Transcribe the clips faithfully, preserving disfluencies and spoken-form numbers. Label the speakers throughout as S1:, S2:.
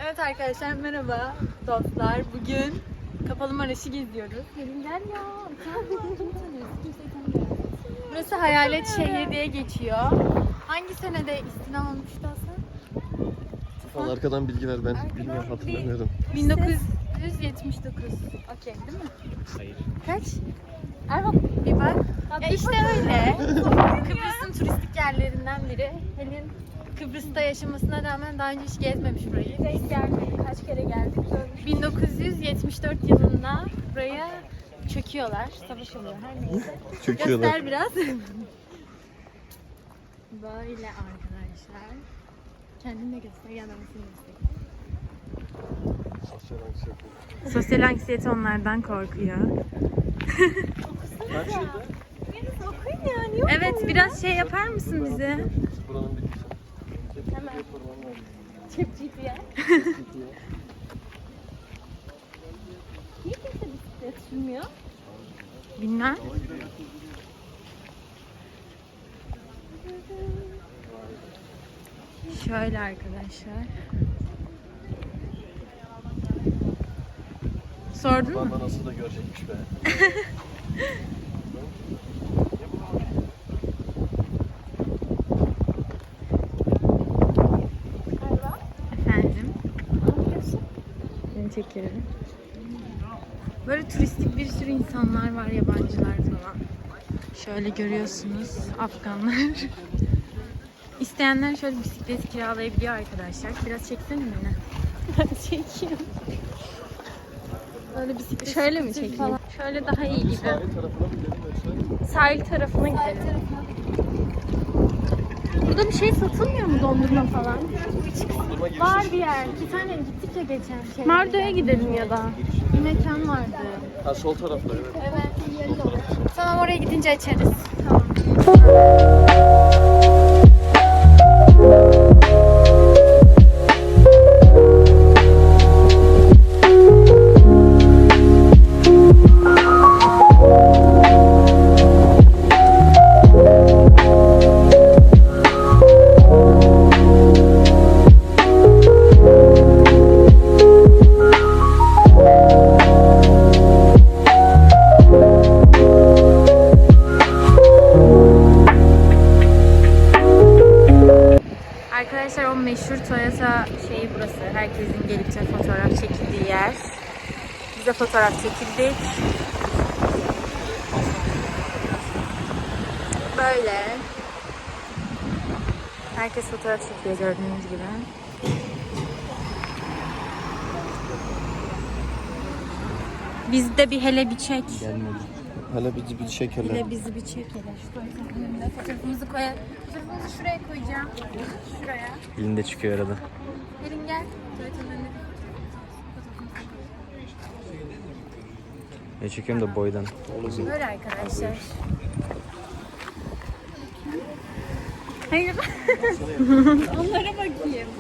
S1: Evet arkadaşlar, merhaba dostlar. Bugün Kapalı Maraş'ı geziyoruz. Gelin gel ya. Burası Hayalet Şehir diye geçiyor. Hangi senede istina olmuştu Hasan?
S2: Al arkadan bilgi ver, ben bilmiyorum, hatırlamıyorum.
S1: bin dokuz yüz yetmiş dokuz. Okey değil mi?
S2: Hayır.
S1: Kaç? Erhan bir bak. Ya işte öyle. Kıbrıs'ın turistik yerlerinden biri. Helin Kıbrıs'ta yaşamasına rağmen daha önce hiç gezmemiş burayı.
S3: Denk gelmedi. Kaç kere geldik.
S1: bin dokuz yüz yetmiş dört yılında buraya çöküyorlar. Savaş oluyor her neyse.
S2: Çöküyorlar.
S1: Göster biraz. Böyle arkadaşlar. Kendin de göster, yanlamasını göster.
S2: Sosyal anksiyete.
S1: Sosyal anksiyete onlardan korkuyor.
S2: Kaç yılda?
S3: Biraz okuyun ya. Niye
S1: Evet, biraz şey yapar mısın bize?
S2: Buranın bilgisi.
S3: Hemen. Cep G P S. Niye kimse bisiklet sürmüyor?
S1: Bilmem. Şöyle arkadaşlar. Sordun mu?
S2: Bana nasıl da görecekmiş be.
S3: Galiba.
S1: Efendim?
S3: Ne yapıyorsun?
S1: Seni çekerim. Böyle turistik bir sürü insanlar var, yabancılar falan. Şöyle görüyorsunuz, Afganlar. İsteyenler şöyle bisiklet kiralayabiliyor arkadaşlar. Biraz çeksene beni.
S3: Ben çekiyorum.
S1: Böyle bisiklet
S3: Şöyle mi
S1: scooter
S3: çekeyim?
S1: falan. Şöyle daha iyi gibi.
S2: Sahil tarafına mı gidelim yoksa?
S3: Sahil tarafına gidelim. Burada bir şey satılmıyor mu, dondurma falan?
S2: Dondurma girişi.
S1: Var bir yer. Bir tane gittik ya geçen şey.
S3: Mardo'ya gidelim ya da.
S1: Bir mekan vardı.
S2: Ha, sol tarafta evet.
S1: Evet.
S2: Sol tarafta.
S1: Tamam, oraya gidince açarız. Arkadaşlar, o meşhur Toyota şeyi burası. Herkesin gelip de fotoğraf çekildiği yer. Biz de fotoğraf çekildik. Böyle. Herkes fotoğraf çekiyor gördüğünüz gibi. Biz de bir hele bir çek.
S2: Gelmedi. Hala bizi bir şekerler.
S1: Hele bizi bir çek hele. Şu tuvaletin önünde fotoğrafımızı koyalım. Fotoğrafımızı şuraya koyacağım. Şuraya.
S2: Elinde çıkıyor arada.
S1: Gelin gel. Tuvaletin önünde.
S2: Ne çekiyorum da boydan.
S1: Böyle arkadaşlar. Hayır. Onlara bakayım.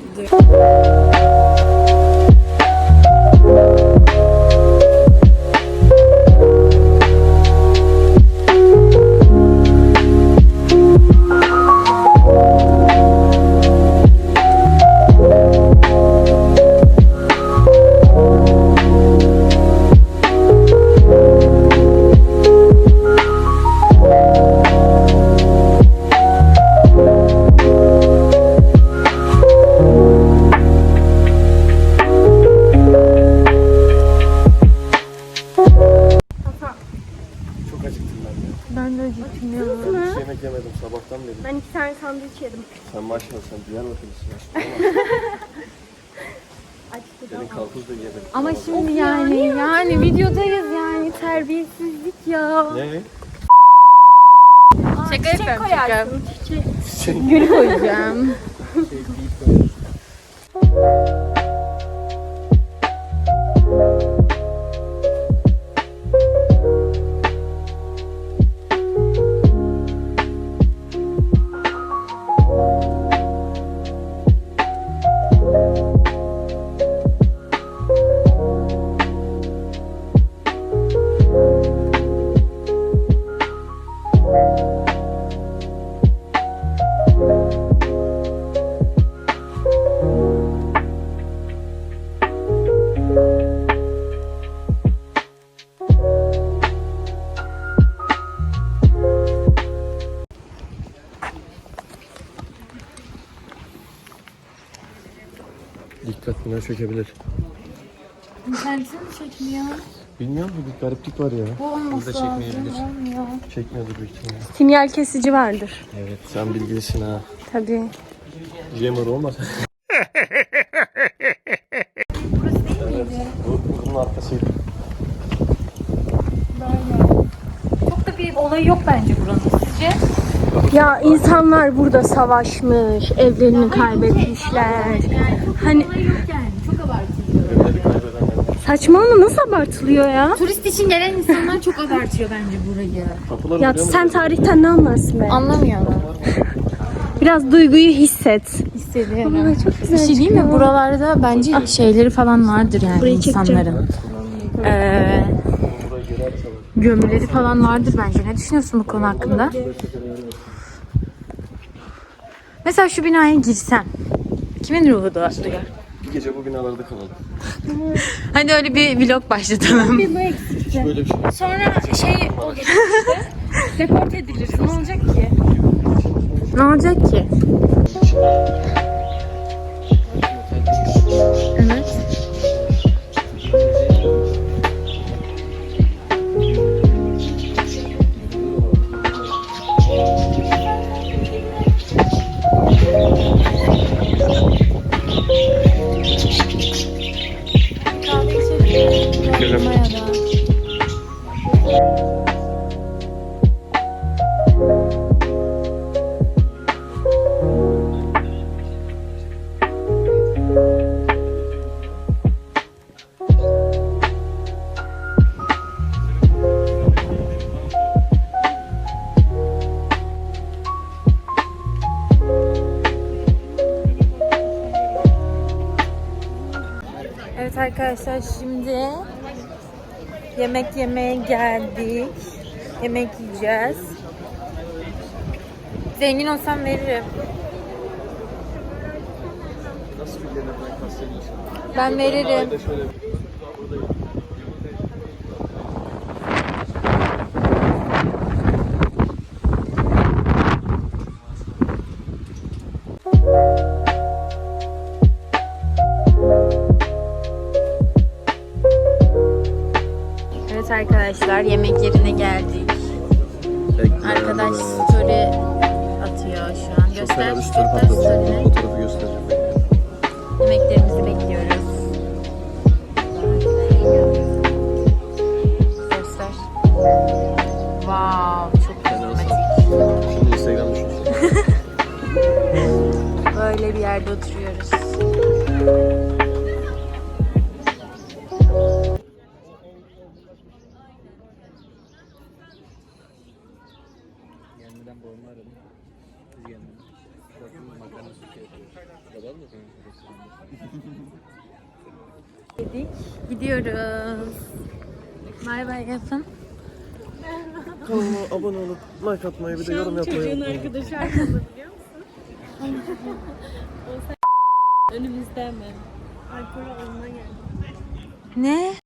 S2: Çok acıktım ben de.
S1: Ben de acıktım ya.
S2: Hiç yemek yemedim sabahtan beri.
S3: Ben iki tane sandviç yedim.
S2: Sen maşallah, sen Diyarbakırlısın aşkım.
S3: Açtı
S2: Senin karpuz da yedim.
S1: Ama şimdi yani yani videodayız yani, terbiyesizlik ya.
S2: Ne?
S1: Şaka
S3: Çiçek
S1: yapıyorum, şaka.
S3: koyarsın. Çiçek.
S2: Şey,
S1: Gül koyacağım.
S2: şey deyip koyuyorsun. Dikkat bina çökebilir.
S1: İnternetin mi çekmiyor?
S2: Bilmiyorum mu? Bir gariplik var ya.
S1: Bu olması
S2: Burada
S1: lazım.
S2: çekmeyebilir.
S1: Olmuyor.
S2: Çekmiyordur büyük ihtimalle.
S3: Sinyal kesici vardır.
S2: Evet sen bilgilisin ha.
S3: Tabii.
S2: Jammer olmaz.
S1: Burası değil miydi?
S2: Bu bunun arkasıydı.
S1: Böyle. Çok da bir olayı yok bence buranın. Sizce?
S3: Ya insanlar burada savaşmış, evlerini kaybetmişler.
S1: Yani çok
S3: Hani-
S1: bir olayı yok yani. Çok abartılıyor.
S2: Evleri kaybedenler.
S3: Saçmalama, nasıl abartılıyor ya?
S1: Turist için gelen insanlar çok abartıyor bence burayı.
S2: Kapıları
S3: Ya
S2: biliyor musun?
S3: sen tarihten ne anlarsın be?
S1: Anlamıyorlar.
S3: Biraz duyguyu hisset.
S1: Hissediyorum.
S3: Aa, çok güzel
S1: Bir şey değil mi?
S3: çıkıyor.
S1: Buralarda bence şeyleri falan vardır yani
S3: Burayı çekeceğim.
S1: insanların. Ee,
S2: Burayı geri açalım.
S1: gömüleri falan vardır bence. Ne düşünüyorsun bu konu hakkında? Mesela şu binaya girsen kimin ruhu da duyar?
S2: Bir gece bu binalarda kalalım.
S1: Hadi öyle bir vlog başlatalım.
S2: Hiç böyle bir şey yok.
S1: Sonra şey olur işte. Deport ediliriz. Ne olacak ki? Ne olacak ki? Evet. Kahve içelim.
S2: İçelim.
S1: Maya da. Evet arkadaşlar, şimdi yemek yemeye geldik. Yemek yiyeceğiz. Zengin olsam veririm.
S2: Nasıl bir yerden kastediyorsun?
S1: Ben veririm.
S2: Ayda şöyle
S1: Evet arkadaşlar, yemek yerine geldik. Arkadaş story atıyor şu an. Göster, göster story'ni.
S2: Fotoğrafı göstereceğim.
S1: Yemeklerimizi bekliyoruz. Göster. Wow, çok karizmatik.
S2: Şimdi Instagram düşünsün.
S1: Böyle bir yerde oturuyoruz. Dedik, gidiyoruz. Bay bay yapın.
S2: Kanalıma abone olup like atmayı bir de yorum yapmayı unutmayın.
S3: arkadaşı arkamda biliyor musun? Önümüzde hemen. Alkol almaya geldi.
S1: Ne?